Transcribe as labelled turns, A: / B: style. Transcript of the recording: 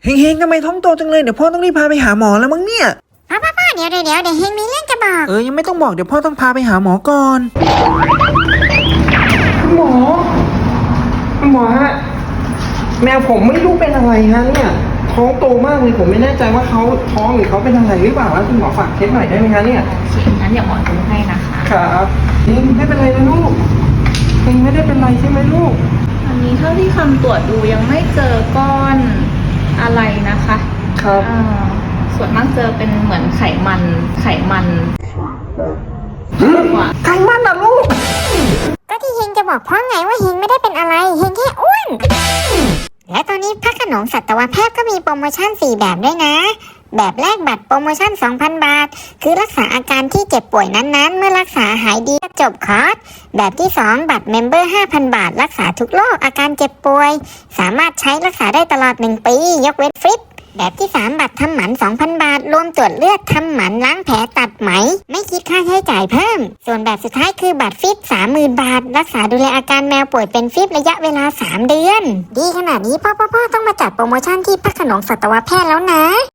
A: เฮงๆทำไมท้องโตจังเลยเดี๋ยวพ่อต้องรีบพาไปหาหมอแล้วมั้งเนี่ย
B: พ่อเดี๋ยวเฮงมีเรื่องจะบอก
A: ยังไม่ต้องบอกเดี๋ยวพ่อต้องพาไปหาหมอก่อนคุณหมอฮะแมวผมไม่รู้เป็นอะไรฮะเนี่ยท้องโตมากเลยผมไม่แน่ใจว่าเขาท้องหรือเขาเป็นอะไรหรือเปล่าคุณหมอฝากเช็คหน่อยได้ไหมฮะเนี่ย
C: งั้นเดี๋ยวหมอดูให้นะคะ
A: ครับนี่ไม่เป็นไรนะลูกเองไม่ได้เป็นไรใช่ไหมลูก
C: อันนี้เท่าที่คำตรวจดูยังไม่เจอก้อนอะไรนะคะ
A: ครับ
C: ส่วนมากเจอเป็นเหมือนไขมัน
A: ไขมันนะลูก
B: ก็ที่เฮงจะบอกพ่อไงว่าเฮงไม่ได้เป็นอะไรเฮงแค่อ้วนและตอนนี้พระโขนงสัตวแพทย์ก็มีโปรโมชั่น4แบบด้วยนะแบบแรกบัตรโปรโมชั่น 2,000 บาทคือรักษาอาการที่เจ็บป่วยนั้นๆเมื่อรักษาหายดีก็จบคอร์สแบบที่2บัตรเมมเบอร์ 5,000 บาทรักษาทุกโรคอาการเจ็บป่วยสามารถใช้รักษาได้ตลอด1 ปียกเว้นฟริปแบบที่3บัตรทำหมัน 2,000 บาทรวมตรวจเลือดทำหมันล้างแผลตัดไหมไม่คิดค่าใช้จ่ายเพิ่มส่วนแบบสุดท้ายคือบัตรฟิป 30,000 บาทรักษาดูแลอาการแมวป่วยเป็นฟิประยะเวลา3 เดือนดีขนาดนี้พ่อต้องมาจัดโปรโมชั่นที่พระโขนงสัตวแพทย์แล้วนะ